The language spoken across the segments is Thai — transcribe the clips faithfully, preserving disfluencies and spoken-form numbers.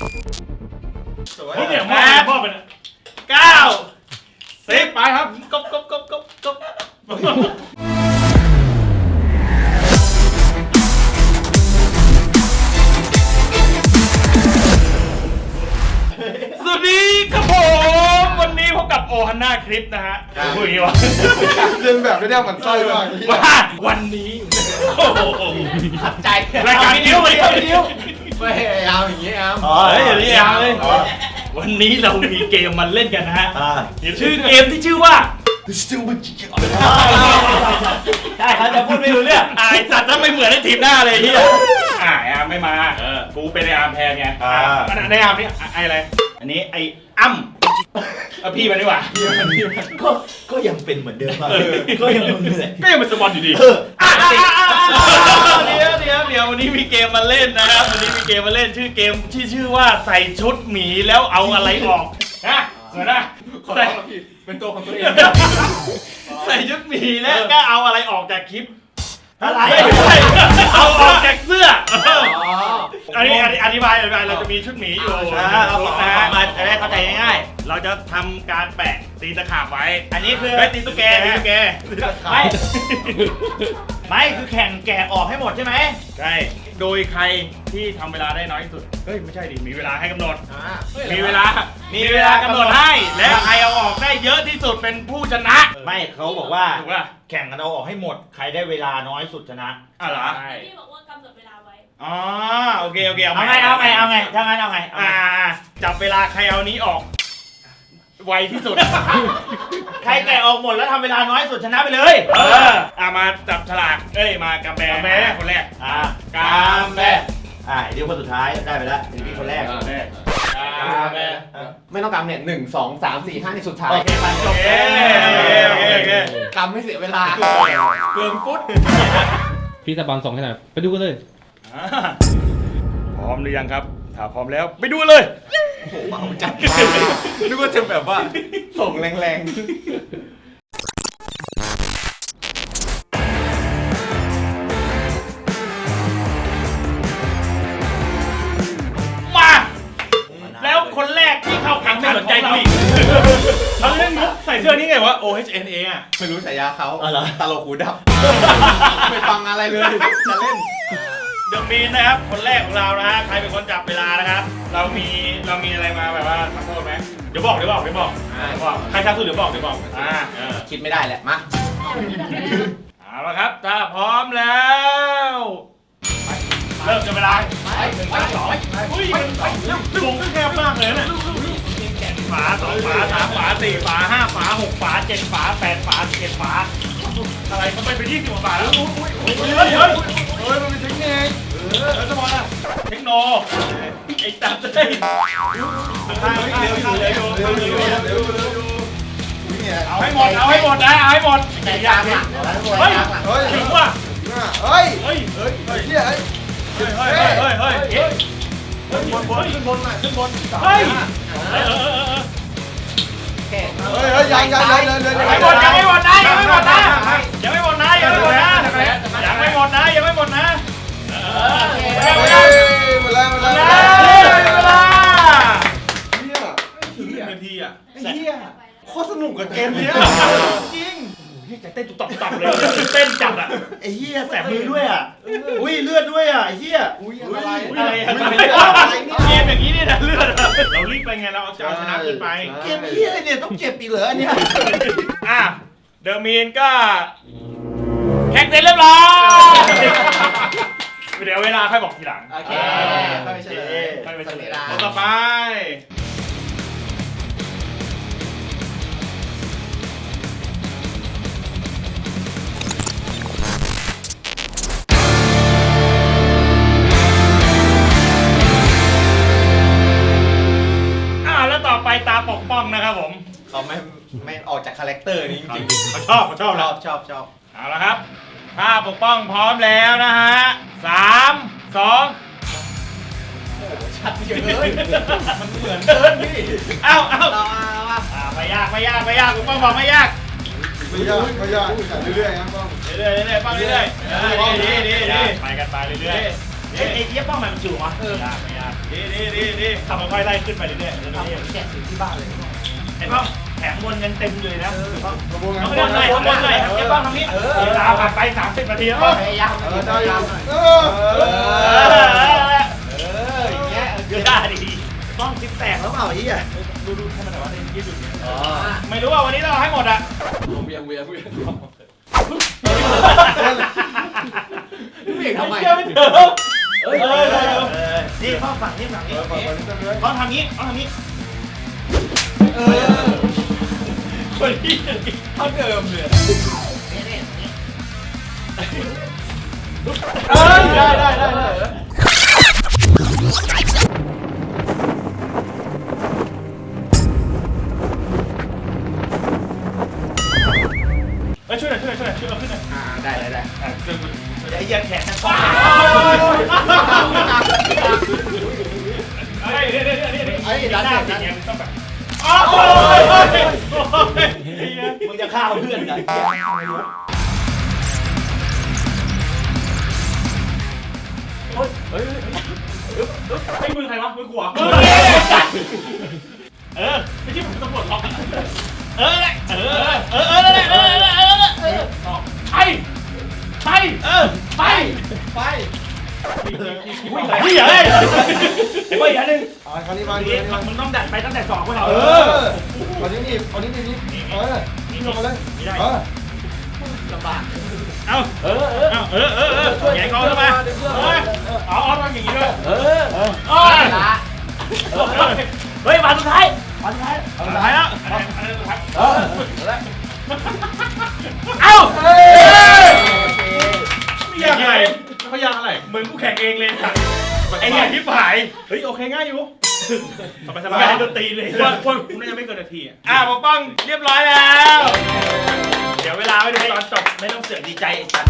นี่เนี่ยมอบมอบไปนะเก้าสิบไปครับกบกบกบกบกบสวัสดีครับผมวันนี้พบกับโอฮันน่าคลิปนะฮะพูดอย่างนี้วะเรียนแบบไม่ได้มันไส้มากว่าวันนี้โอ้โหขัดใจรายการนิ้วไปนิ้วไม่เอาอย่างนี้ครับอ๋อเฮ้ยอย่างนี้เอาเลยวันนี้เรามีเกมมาเล่นกันนะฮะชื่อเกมที่ชื่อว่าใช่เขาจะพูดไม่รู้เรื่องไอ้สัตว์ถ้าไม่เหมือนในทีมหน้าเลยที่อ่าไอ้อาร์มไม่มากูเป็นไอ้อาร์มแทนไงในอาร์มนี่ไอ้อะไรอันนี้ไอ้อ้ำเอาพี่มาดีกว่าก็ก็ยังเป็นเหมือนเดิมก็ยังมึงเลยก็ยังเป็นสปอนอยู่ดีเดี๋ยวเดี๋ยวเดี๋ยววันนี้มีเกมมาเล่นนะครับวันนี้มีเกมมาเล่นชื่อเกมที่ชื่อว่าใส่ชุดหมีแล้วเอาอะไรออกนะเหมือนนะใส่เป็นตัวของตัวเองใส่ชุดหมีแล้วก็เอาอะไรออกจากคลิปอะไรเอาออกจากเสื้ออันนี้อธิบายอธิบายเราจะมีชุดหมีอยู่เอาออกมาจะได้เข้าใจง่ายๆเราจะทำการแปะตีตะขาบไว้อันนี้คือไม่ตีตุ๊กแกตีตุ๊กแกไม่ไม่คือแข่งแกะออกให้หมดใช่ไหมใช่โดยใครที่ทำเวลาได้น้อยที่สุดเฮ้ยไม่ใช่ดิมีเวลาให้กำหนดมีเวลามีเวลากำหนดให้และใครเอาออกได้เยอะที่สุดเป็นผู้ชนะไม่เขาบอกว่าแข่งกันเอาออกให้หมดใครได้เวลาน้อยสุดชนะอ๋อเหรอพี่บอกว่ากำหนดเวลาไว้อ๋อโอเคโอเคเอาไงเอาไงเอาไงถ้างั้นเอาไงอ่าจับเวลาใครเอานี้ออกไวที่สุดใครแกะออกหมดแล้วทำเวลาน้อยสุดชนะไปเลยเอออ่ะมาจับฉลากเอ้ยมากำแบแม่คนแรกอ่ากำแบอ่าเดี๋ยวคนสุดท้ายได้ไปแล้วเดี๋ยวพี่คนแรกกำแบไม่ต้องกำเนี่ยหนึ่งสองสามสี่ห้าในสุดท้ายโอเคไปจบโอเคโอเคกำไม่เสียเวลาเกินฟุตพี่ตะบังส่งให้หน่อยไปดูกันเลยพร้อมหรือยังครับถ้าพร้อมแล้วไปดูเลยโอ้โหเอาจัดนึกว่าจะแบบว่าส่งแรงๆมาแล้วคนแรกที่เข้าแข่งไม่สนใจกูอีกเขาเล่นมุกใส่เสื้อนี่ไงวะ โอ เอช เอ็น เอ อ่ะไม่รู้ฉายาเขาตลกหูดับไม่ฟังอะไรเลยจะเล่นเดอะมีนนะครับคนแรกของเรานะฮะใครเป็นคนจับเวลานะครับเรามีเรามีอะไรมาแบบว่าทำโทษไหมเดี๋ยวบอกเดี๋ยวบอกเดี๋ยวบอกบอกใครทำสุดเดี๋ยวบอกเดี๋ยวบอกอ่าคิดไม่ได้แหละมาเอาละครับถ้าพร้อมแล้วเริ่มจับเวลาไปหนึ่งไปสองอุ้ยวงก็แคบมากเลยเนี่ยฝาสองฝาสามฝาสี่ฝาห้าฝาหกฝาเจ็ดฝาแปดฝาสิบเอ็ดฝาอะไรมันไปเป็นยี่สิบกว่าฝาแล้วเฮ้ยเฮ้ยเฮ้ยเฮ้ยมันเป็นเทคนิคเออแล้วจะบอกนะเทคโนไอ้ตัดเลยเอาให้หมดเอาให้หมดนะเอาให้หมดแต่ยากอ่ะเฮ้ยถึงว่ะเฮ้ยเฮ้ยเฮ้ยเฮ้ยเฮ้ยเฮ้ยเฮ้ยเฮ้ยเฮ้ยเฮ้ยขึ้นบนบนขึ้นบนหน่อยขึ้นบนเฮ้ยเออเออเออเฮ้ยเฮ้ยยังยังยังยังยังไม่หมดยังไม่หมดนะยังไม่หมดนะยังไม่หมดนะยังไม่หมดนะยังไม่หมดนะยังไม่หมดนะเออหมดแล้วหมดแล้วหมดแล้วถึงนาทีอ่ะเฮียโคตรสนุกกับเกมนี้จริงใจเต้นตุบตับตับเลยเต้นจัดอ่ะไอ้เหี้ยแสบมือด้วยอ่ะอุ้ยเลือดด้วยอ่ะไอ้เหี้ยอุ้ยอะไรอะไรอะไรเกมอย่างนี้เนี่ยนะเลือดเรารีบไปไงเราเอาชนะขึ้นไปเกมเหี้ยเนี่ยต้องเจ็บปีเหลือเนี่ยอ่ะเดอะมีนก็แข่งเสร็จเรียบร้อยเดี๋ยวเวลาค่อยบอกทีหลังโอเคค่อยไปเฉลยค่อยไปเฉลยต่อไปไปตาปกป้องนะครับผมเขาไม่ไม่ออกจากคาแรคเตอร์นี้จริงเขาชอบเขาชอบชอบชอบชอบเอาละครับถ้าปกป้องพร้อมแล้วนะฮะสามสองชัดเจนเลยมันเหมือนเดินพี่เอ้าเอ้าไม่ยากไม่ยากไม่ยากปกป้องบอกไม่ยากไม่ยากไม่ยากเรื่อยๆนะป้องเรื่อยๆเรื่อยๆป้องเรื่อยๆดีดีดีไปกันไปเรื่อยๆเอ้ยไอ้เจี๊ยบป้องมันจิ๋ววะยากไม่ยากดีดีดีดีทำค่อยๆไล่ขึ้นไปเรื่อยๆเรื่อยๆแกะสีที่บ้านเลยไอ้ป้องแข็งบนยังเต็มเลยนะกระบวนการข้างบนหน่อยข้างบนหน่อยไอ้ป้องทำนี้เวลาผ่านไปสามสิบนาทีแล้วพยายามเออได้ยังเออเออเอออย่างเงี้ยเกือบได้ดีป้องจิ๊บแตกแล้วเปล่าไอ้เหี้ยดูดูให้มันหน่อยว่าได้ยืดหยุ่นอ๋อไม่รู้ว่าวันนี้เราให้หมดอ่ะเวียงเวียงเวียงพี่เอกทำไมเชื่อไม่ถึงเฮ้ยเออนี่ป้องฝั่งนี้ฝั่งนี้ป้องทำนี้ป้องทำนี้เออคนที่เท่าเดิมเลยนี่นี่นี่เอ้ยได้ได้ได้ได้เฮ้ยช่วยหน่อยช่วยหน่อยช่วยหน่อยช่วยเราขึ้นหน่อยอ่าได้ได้ได้อ่ะช่วยกูไอ้เหี้ยแขนนั่นป้องเฮ้ยเดี๋ยวเดี๋ยวเดี๋ยวเดี๋ยวไอ้ดันหน้าเด็ติดดนะเงี้ยต้องแบบอ้าวโอ้ยโอ้ยโอ้ยไอ้เหี้ยมึงจะฆ่าเพื่อนกันไอ้มือใครวะมือกูเหรอเออไม่ใช่ผมตำรวจล็อกเออเออเออเออเออเออเออเออเออไปไปเออไปไปเฮ้ยเฮ้ยไอ้ป้องอีกอันนึงอ่าคราวนี้มามึดีงมึงต้องดัดไปตั้งแต่สองคนเราเออคราวนี้นี่คราวนี้นี่นี่เออนี่ลงมาเลยเออลำบากเอาเออเออเออเออเออแย่งกองเข้ามาเออเอาเอาทำอย่างนี้ด้วยเออเออเออเฮ้ยมาสุดท้ายมาสุดท้ายสุดท้ายแล้วอันนี้อันนี้สุดท้ายเออแล้วเอ้าเฮ้ยไม่ยากอะไรเขายากอะไรเหมือนกูแข่งเองเลยสัตว์ไอ้เนี่ยที่ผายเฮ้ยโอเคง่ายอยู่สบายสบายให้ดนตรีเลยว่าว่าคุณน่าจะไม่เกินนาทีอ่ะอ่ะปกป้องเรียบร้อยแล้วเดี๋ยวเวลาไว้ดูตอนจบไม่ต้องเสือกดีใจไอ้สัตว์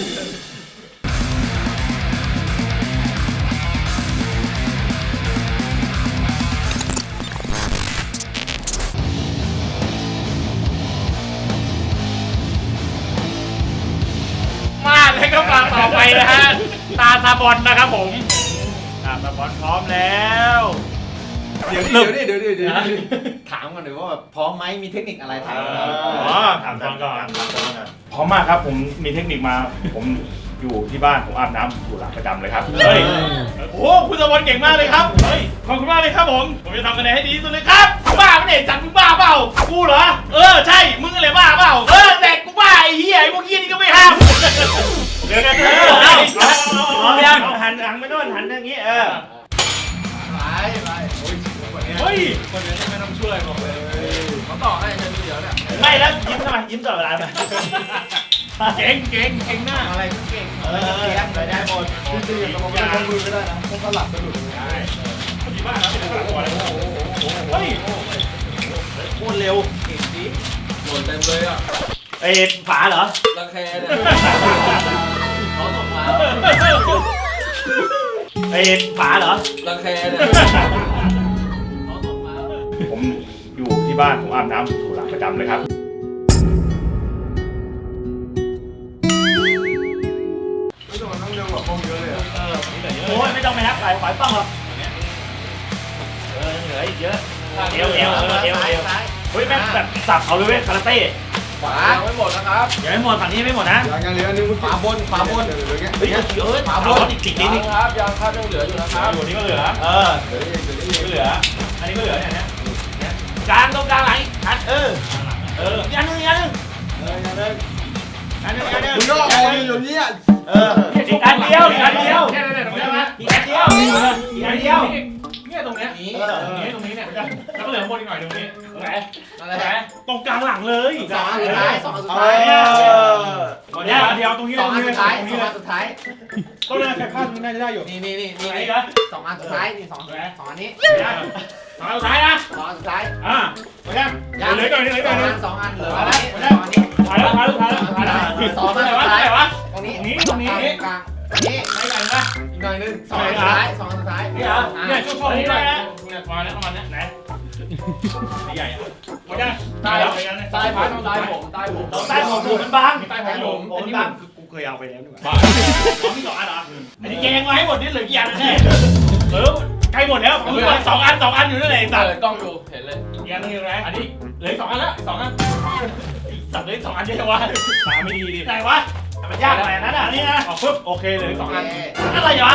มาเลยก็มาต่อไปนะฮะตาซาบอนนะครับผมตาซาบอนพร้อมแล้วเดี๋ยวเดี๋ยวเดี๋ยวเดี๋ยวเดี๋ยวถามกันหน่อยว่าแบบพร้อมไหมมีเทคนิคอะไรถามอ๋อถามตอนก่อนพร้อมมากครับผมมีเทคนิคมาผมอยู่ที่บ้านผมอาบน้ำอยู่หลังประจำเลยครับเฮ้ยโอ้คุณซาบอนเก่งมากเลยครับเฮ้ยขอบคุณมากเลยครับผมผมจะทำคะแนนให้ดีที่สุดเลยครับมึงบ้าไม่ได้จัดมึงบ้าเปล่ากูเหรอเออใช่มึงอะไรบ้าเปล่าเออแต่กูบ้าไอ้เหี้ยไอ้พวกเหี้ยนี่ก็ไม่ห้ามเดี๋ยวกันเถอะพร้อมยังหันหลังไปโน่นหันอย่างงี้เออไปไปโอ้ยคนนี้เฮ้ยคนนี้ไม่ต้องช่วยบอกเลยเขาต่อให้เดี๋ยวเนี่ยไม่แล้วยิ้มทำไมยิ้มตลอดเวลาไหมเก่งเก่งเก่งหน้าอะไรก็เก่งเออเสียงไปได้หมดจริงๆกับผมเป็นคนมือก็ได้นะผมก็หลับสะดุดใช่ดีมากครับเป็นฝรั่งก่อนเลยเฮ้ยพูดเร็วเก่งดิโดนเต็มเลยอ่ะไอ้ฝาเหรอรังแคเนี่ยเขาส่งมาไอ้ฝาเหรอรังแคเนี่ยเขาส่งมาผมอยู่ที่บ้านผมอาบน้ำอยู่หลังประจำเลยครับไม่ต้องมานั่งเร็วกว่าพวกเยอะเลยอ่ะโอ้ยไม่ต้องไปนับใครขอยป้องหรอกเออเหลืออีกเยอะเอวเอวเออเอวเอวเฮ้ยแม่งแบบสับเขาเลยเว้ยคาราเต้ขวาไม่หมดนะครับยังไม่หมดฝั่งนี้ไม่หมดนะอย่างเหลือนึงขวาบนขวาบนเหลือเงี้ยเฮ้ยเออฝาบนอีกติดนิดนึงครับยังครับยังเหลืออยู่นะครับอยู่นี่ก็เหลือเออเหลืออีกเหลืออีกก็เหลือ อันนี้ก็เหลือเนี่ยนะกลางตรงกลางไหลชัดเออเออยันหนึ่งยันหนึ่งเออยังเลยอันนี้อันนี้มึงก็ออกอยู่นี่อ่ะเอออีกอันเดียวอีกอันเดียวเนี่ยเนี่ยตรงนี้นะอีกอันเดียวอีกอันเดียวเนี่ยตรงเนี้ยนี่เออตรงนี้เนี่ยแล้วก็เหลือบนอีกหน่อยตรงนี้ไหนอะไรไหนฮะตรงกลางหลังเลยสองอันสุดท้ายสองอันสุดท้ายเนี่ยเดียวตรงนี้สองอันสุดท้ายตรงสนี้องอันสุดท้ายต้องเลยแค่พลาดน่าจะได้อยู่นี่นี่นี่นี่ไหนนะสองอันสุดท้ายนี่สองสองอันนี้สองสุดท้ายนะสองอันสุดท้ายอ่าไปยังเหลือก่อนนี่เหลือสก่ออนงนี่อันสองอันเหลืออันนี้สองอันนี้ถ่ายแล้วถ่ายแล้วถ่ายแล้วถ่ายแล้วสองอันไหนสุวะดไหท้ายนวะตรงนี้ตรงนี้ตรงนี้กลางตรงนี้ไหนกันนะอีกหน่อยนึงสองอันสุดท้ายสองอันสุดท้ายนี่เหรอเนี่ยช่วงช่วงนี้ได้นะเนี่ยประมาณนี้ประมาณนี้ไหนใหญ่อะหมดยังใต้แล้วไปกันเลยใต้พัดใต้ผมใต้ผมตรงใต้ผมผมมันบางใต้ผมผมผมอันนี้บางคือกูเคยเอาไปแล้วนี่หว่าบ้าอ๋อมีสองอันเหรออันนี้แย่งมาให้หมดนี่เหลือกี่อันแน่เออใกล้หมดแล้วสองอันสองอันอยู่นั่นแหละสัตว์กล้องดูเห็นเลยอีกอันนึงอยู่ไหนอันนี้เหลือสองอันแล้วสองอันสัตว์เหลือสองอันเดียววะตาไม่ดีดิไหนวะมันยากอะไรนั่นอ่ะนี่นะออกปุ๊บโอเคเลยสองอันอะไรวะ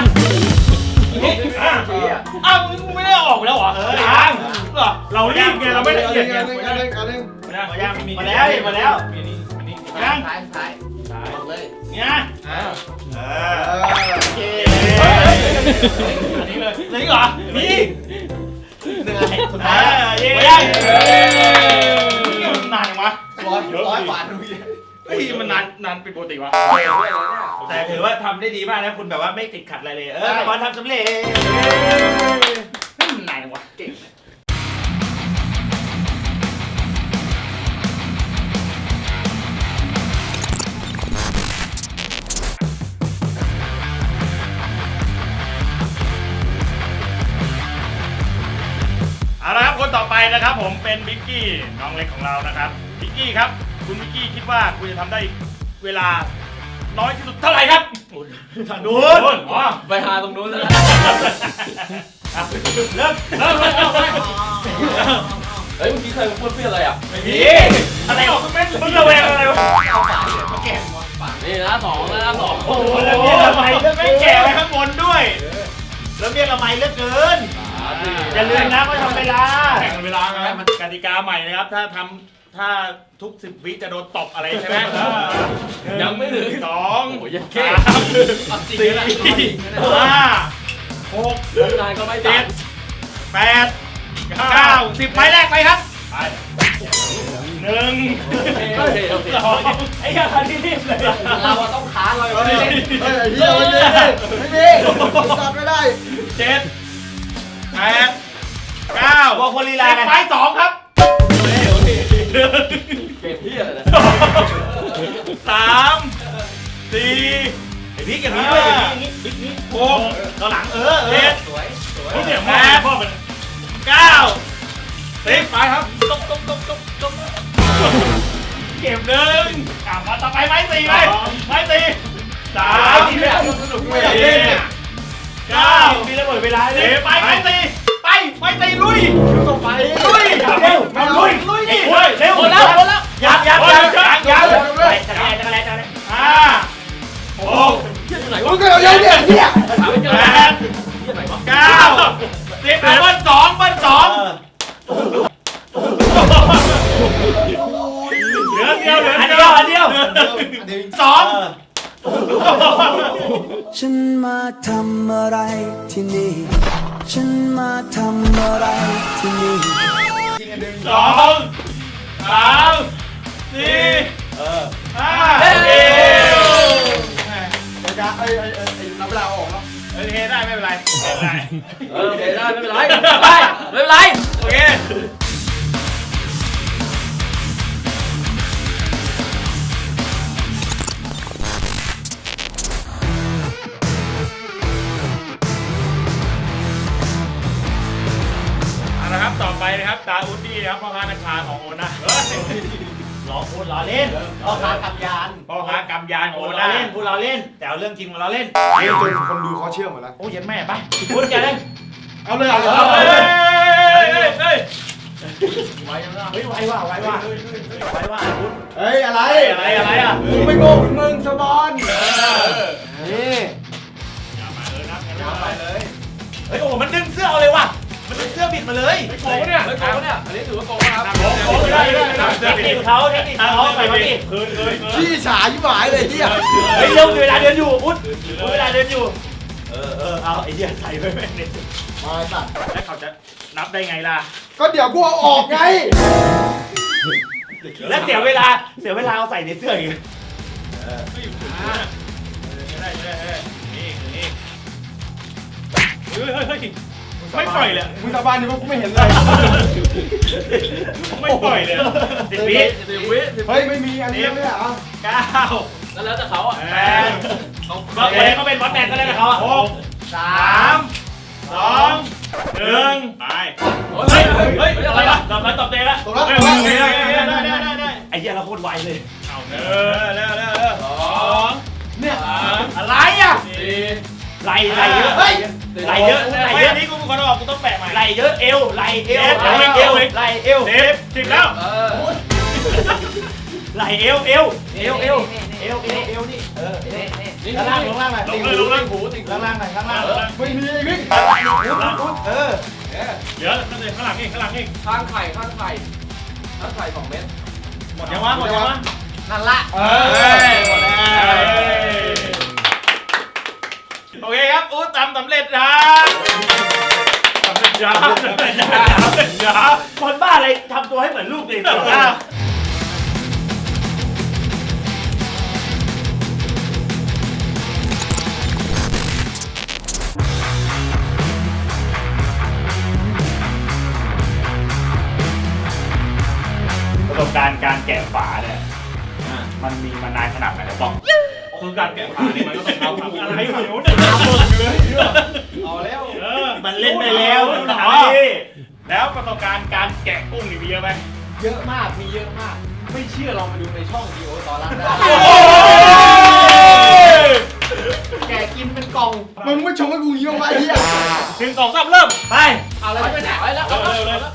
อ้าวมึงไม่ได้ออกแล้วเหรอเออยังเหรอเรารีบไงเราไม่ละเอียดไงอันนึงอันนึงอันนึงมายังมีมาแล้วมาแล้วมีนี่มีนี่ยังท้ายท้ายท้ายเลยเนี่ยอ่าเออโอเคอันนี้เลยเลยเหรอมีหนึ่งอันสุดท้ายเย้นี่มันนานยังวะร้อยร้อยบาททุกทีเฮ้ยมันนานนานเป็นปกติวะแต่ถือว่าทำได้ดีมากนะคุณแบบว่าไม่ติดขัดอะไรเลยเออบอลทำสำเร็จนานยังวะเก่งเอาละครับคนต่อไปนะครับผมเป็นบิ๊กกี้น้องเล็กของเรานะครับบิ๊กกี้ครับคุณบิ๊กกี้คิดว่าคุณจะทำได้เวลาน้อยที่สุดเท่าไหร่ครับทางนู้นอ๋อไปหาตรงนู้นแล้วเริ่มเริ่มเริ่มเริ่มเฮ้ยเมื่อกี้ใครพูดเพื่ออะไรอ่ะไม่มีอะไรออกเม็ดมึงระแวงอะไรวะนี่นะสองนะสองโอ้โหแล้วเมียละไมเลือกไม่แก่ไว้ข้างบนด้วยแล้วเมียละไมเลือกเกินอย่าลืมนะว่าทำเวลาแข่งเวลาไงมันกติกาใหม่นะครับถ้าทำถ้าทุกสิบวิจะโดนตบอะไรใช่ไหมยังไม่ถึงสองโอ้ยยังสาเก่งมสี่ห้าหกนายก็ไม่เจ็ตัดดแปดเก้าสิบไม้แรกไปครับไปหนึ่งโอเคโอเคสองไอ้ยาที่รีบเลยเราต้องค้านเราเฮ้ยเลยเฮ้ยเฮียไม่มีไม่มีสัตว์ไม่ได้เจ็ดแปดเก้าบอกคนลีลากันไปสองครับเก่งที่อะไรนะสามสี่ไอ้พี่อย่างนี้ด้วยอย่างนี้อย่างนี้หกต่อหลังเออเจ็ดสวยสวยแปดเก้าสิบไปครับตบตบตบตบตบเก็บหนึ่งอ่ะมาต่อไปไม้สี่ไปไม้สี่สามสนุกไม่อยากเล่นเนี่ยเก้ามีระเบิดเวลาเลยไปไม้สี่ไปไม้สี่ลุยต้องไปลุยเร็วมาลุยลุยดิเร็วหมดแล้วหมดแล้วยังยังยังยังยังไปจะอะไรจะอะไรจะอะไรห้าหกมึงก็เอาเยอะเนี่ยเนี่ยแปดเก้าสิบเบิ้ลสองเบิ้ลสองเหลือเดียวเหลือเดียวอันเดียวสองฉันมาทำอะไรที่นี่ ฉันมาทำอะไรที่นี่สองสามสี่ห้าเดียวไอ้กาไอ้ไอ้ไอ้ไอ้นับเวลาออกแล้วโอเคได้ไม่เป็นไรไม่เป็นไรเออโอเคได้ไม่เป็นไรไม่เป็นไรไม่เป็นไรโอเคเอาละครับต่อไปนะครับตาอุดดี้นะครับพ่อค้านาคาของโอน่าล้อพูดล้อเล่นพ่อค้ากำยานพ่อค้ากำยานของพูโอดเราน่าเล่นพูดเราเล่นแต่เอาเรื่องจริงมาเราเล่นเล่นจนคนดูเขาเชื่อหมดแล้วโอ้ยยันแม่ไปพูดกันเล่นเอาเลยเอาเลยเฮ้ยเฮ้ยเฮ้ยไว้ยังไงเฮ้ยไวว่าไวว่าไวว่าพูดเฮ้ยอะไรอะไรอะไรอ่ะกูไม่โง่เหมือนมึงสบอนนี่อย่ามาเลยนะยาวไปเลยเฮ้ยโอ้มันดึงเสื้อเอาเลยว่ะมันดึงเสื้อบิดมาเลยโกงเนี่ยเฮ้ยโกงเนี่ยอันนี้ถือว่าโกงนะครับโกงโกงได้ได้ได้เทคนิคเขาเทคนิคเขาใส่มาดิคืนคืนคืนขี้ฉายิ่งหายเลยที่อ่ะเฮ้ยเร็วเวลาเดินอยู่พุทธเวลาเดินอยู่เออเออเอาไอ้เหี้ยใส่ไว้แม่งเนี่ยมาสัตว์แล้วเขาจะนับได้ไงล่ะก็เดี๋ยวกูเอาออกไงแล้วเสียเวลาเสียเวลาเอาใส่ในเสื้ออีกไม่อยู่ถึงนะได้ได้ได้นี่นี่เฮ้ยเฮ้ยเฮ้ยไม่ปล่อยเลยมึงสาบานดิว่ากูไม่เห็นเลยไม่ปล่อยเลยสิบวิสิบวิสิบเฮ้ยไม่มีอันนี้ไม่ได้อ่ะเก้าแล้วแล้วแต่เขาอ่ะแปดก็คนนี้เขาเป็นบอสแมนก็ได้นะเขาอ่ะหกสามสองหนึ่งไปเฮ้ยเฮ้ยเฮ้ยอะไรวะตบมาตบเตะละตกแล้วได้ตกได้แล้วได้ได้ได้ได้ไอ้เหี้ยเราโคตรไวเลยเอาเร็วเร็วเร็วเร็วสองเนี่ยสามอะไรอ่ะสี่ไหลไหลเยอะไหลเยอะไหลไม่เยอะอันนี้กูเป็นคนบอกกูต้องแปะใหม่ไหลเยอะเอวไหลเอวเอวไหลเอวไหลเอวเซฟสิบแล้วเออไหลเอวเอวเอวเอวเอวเอวเอวนี่เออนี่นี่ข้างล่างลงล่างหน่อยลงเลยลงเลยหูติ่งหูข้างล่างหน่อยข้างล่างไม่มีไอ้วิ่งเออเดี๋ยวข้างในข้างหลังนี่ข้างหลังนี่ข้างไข่ข้างไข่ข้างไข่สองเม็ดหมดยังวะหมดยังวะนั่นละเอเฮ้ยอหมดแล้วโอเคครับอู้ทำสำเร็จนะสำเร็จนะสำเร็จนะสำเร็จนะคนบ้าอะไรทำตัวให้เหมือนลูกเด็กอ้าวประสบการณ์การแกะฝาเนี่ยมันมีมานานขนาดไหนแล้วบ้างคือการแกะฝานี่มันก็ต้องเอาทำอะไรฝั่งนู้นเนี่ยเอาแล้วเออมันเล่นไปแล้วหนอถามดิแล้วประสบการณ์การแกะกุ้งนี่มีเยอะไหมเยอะมากมีเยอะมาก ไม่เชื่อลองมาดูในช่องดีโอตอนล่างได้ แกกินเป็นกล่องมึงไม่ชมให้กูงี้บ้างวะไอ้เหี้ยหนึ่งสองสามเริ่มไปเอาอะไรไปไหนไว้แล้วเร็วเร็วเร็ว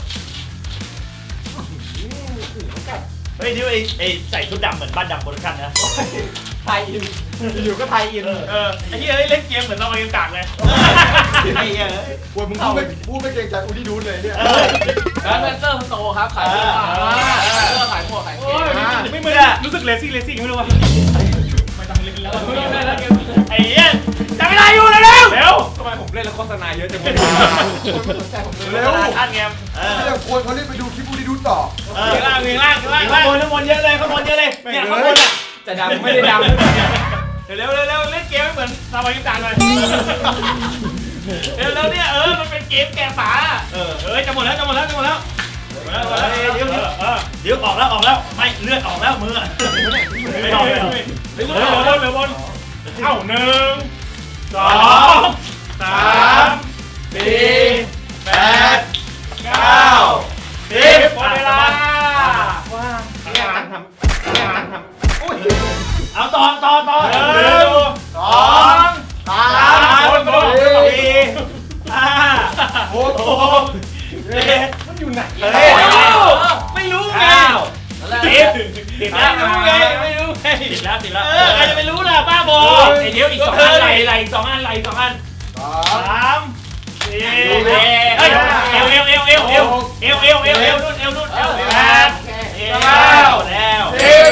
เฮ้ยที่ไอ้ไอ้ใส่ชุดดำเหมือนบ้านดำโปรดักชั่นนะไทยอินอยู่ก็ไทยอินเออไอ้เหี้ยเล่นเกมเหมือนเราเกมกากเลยไอ้เหี้ยปวดมึงพูดไม่พูดไม่เกรงใจอูดี้ดูนเลยเนี่ยร้านเวนเตอร์มันโตครับขายเสื้อผ้าเสื้อขายหมวกขายเกงไม่ไม่รู้สึกเลซี่เลซี่ไม่รู้ว่าไม่ต้องเล่นแล้วไอ้เหี้ยจับเวลาอยู่เร็วเร็วทำไมผมเล่นแล้วโฆษณาเยอะจังเลยเร็วท่านไงเออเดี๋ยวควรเขาเล่นไปดูคลิปอูดี้ดูต่อเออล่างล่างล่างล่างข้างบนข้างบนเยอะเลยข้างบนเยอะเลยเนี่ยข้างบนอ่ะจะดังไม่ได้ดังเร็วเร็วเร็วเล่นเกมไม่เหมือนซาบายิตานเลยเร็วเร็วเนี่ยเออมันเป็นเกมแกะฝาเออเออจะหมดแล้วจะหมดแล้วจะหมดแล้วเดี๋ยวเดี๋ยวเออเดี๋ยวออกแล้วออกแล้วไม่เลือดออกแล้วมือไม่ออกเลยเร็วเร็วเร็วบนเอ้าหนึ่งสองสามสี่แปดเก้าสิบหมดเวลาเนี่ยตังทำเนี่ยตังทำอุ้ยเอาต่อต่อต่อหนึ่งสองสามสี่ห้าหกเจ็ดมันอยู่ไหนเฮ้ยไม่รู้ไงติดติดไม่แล้วรู้ไงไม่รู้ไงติดแล้วติดแล้วเออใครจะไปรู้ล่ะบ้าบอไอ้เดี๋ยวอีกสองอันไหลไหลสองอันไหลสองอันสามสี่เอ้ยเอวเอวเอวเอวเอวเอวเอวเอวเอวเอวนู่นเอวนู่นเอวแปดเก้าแล้วสิบ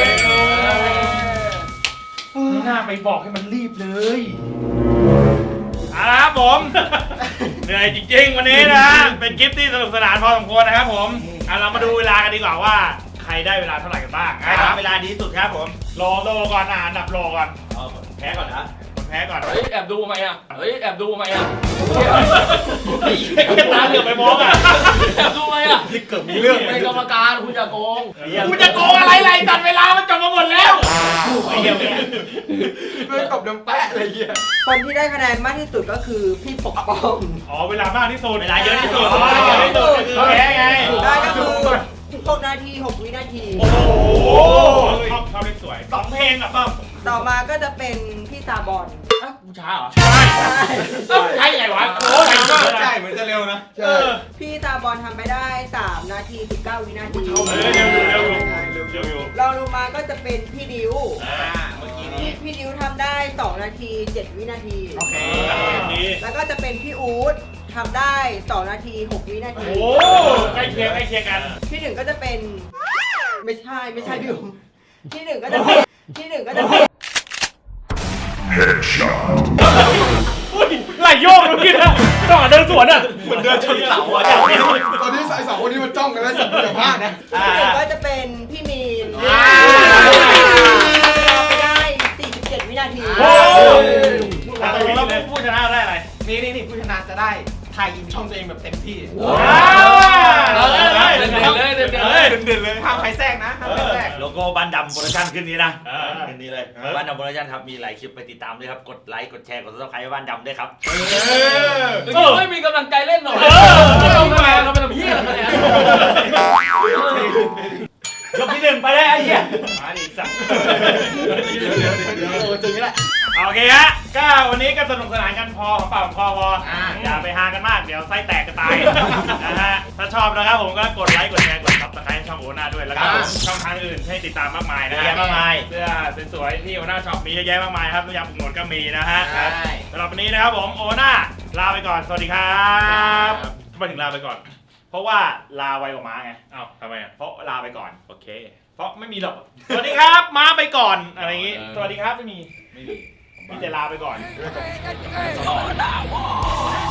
ไม่น่าไปบอกให้มันรีบเลยเอาละครับผม เหนื่อยจริงๆวันนี้นะ เป็นคลิปที่สนุกสนานพอสมควรนะครับผมอ่ะเรามาดูเวลากันดีกว่าว่าใครได้เวลาเท่าไหร่กันบ้างใครทำเวลาดีที่สุดครับผมโลโลก่อนอ่ะอันดับโลก่อนแพ้ก่อนนะคนแพ้ก่อนเฮ้ยแอบดูไหมอ่ะเฮ้ยแอบดูไหมอ่ะไอ้เหี้ยตาเหลือกไปมองอ่ะแอบดูไหมอ่ะเกือบมีเรื่องเป็นกรรมการคุณอย่าโกงกูจะโกงอะไรไรตัดเวลามันจบมาหมดแล้วไอ้เหี้ยเนี่ยเรื่องตบดังแปะอะไรเงี้ยคนที่ได้คะแนนมากที่สุดก็คือพี่ปกป้องอ๋อเวลามากที่สุดเวลาเยอะที่สุดอ๋อเยอะที่สุดคือแพ้ไงได้ก็คือหกนาทีหกวินาทีโอ้โหชอบชอบเล่นสวยสองเพลงอ่ะป้อมต่อมาก็จะเป็นพี่ตาบอลอ่ะกูช้าเหรอใช่ใช่เอ้าใช่ไงวะโอ้ยใช่เหมือนจะเร็วนะใช่พี่ตาบอลทำไปได้สามนาทีสิบเก้าวินาทีเออเร็วอยู่เร็วอยู่เร็วอยู่รองลงมาก็จะเป็นพี่ดิวอ่าเมื่อกี้พี่นี้พี่ดิวทำได้สองนาทีเจ็ดวินาทีโอเคดีแล้วก็จะเป็นพี่อู๊ดทำได้สองนาทีหกวินาทีโอ้ใกล้เคียงใกล้เคียงกันที่หนึ่งก็จะเป็นไม่ใช่ไม่ใช่พี่อู๊ดที่หนึ่งก็จะเป็นที่หนึ่งก็จะเป็นอุ้ยไหลโยกเมื่อกี้นะต้องเดินสวนอ่ะเหมือนเดินชนเสาอ่ะตอนนี้สายสองคนนี้มันจ้องกันแล้วสัตว์อย่าพลาดนะที่หนึ่งก็จะเป็นพี่มีนอ่าไปได้สี่สิบเจ็ดวินาทีโอ้ยเราผู้ชนะได้อะไรนี่นี่นี่ผู้ชนะจะได้ไทยอินช่องตัวเองแบบเต็มที่ว้าวเลยเลยเด่นเลยเด่นเลยเด่นเลยห้ามใครแทรกนะห้ามใครแทรกโลโก้บ้านดำโปรดักชั่นขึ้นนี้นะเออขึ้นนี้เลยบ้านดำโปรดักชั่นครับมีหลายคลิปไปติดตามด้วยครับกดไลค์กดแชร์กดซับสไครต์บ้านดำด้วยครับเออไม่มีกำลังใจเล่นหรอกเออเราทำไมเราเป็นแบบเฮียอะไรยกที่หนึ่งไปเลยไอ้เหี้ยมาดิสัตว์เดี๋ยวเดี๋ยวเดี๋ยวเดี๋ยวโอ้ถึงนี่แหละโอเคฮะก็วันนี้ก็สนุกสนานกันพอของเปล่าของคอพออ่าอย่าไปหากันมากเดี๋ยวไส้แตกจะตายนะฮะถ้าชอบนะครับผมก็กดไลค์กดแชร์กดซับสไครต์ช่องโอน่าด้วยแล้วก็ช่องทางอื่นให้ติดตามมากมายนะเยอะฮะแยะมากมายเสื้อสวยๆที่โอน่าช็อปมีเยอะแยะมากมายครับน้ำยาปรุงรสก็มีนะฮะใช่สำหรับวันนี้นะครับผมโอน่าลาไปก่อนสวัสดีครับทำไมถึงลาไปก่อน เพราะว่าลาไวกว่าม้าไงอ้าวทำไมอ่ะเพราะลาไปก่อนโอเคเพราะไม่มีหรอกสวัสดีครับม้าไปก่อนอะไรอย่างงี้สวัสดีครับไม่มีไม่มีมีแต่ลาไปก่อน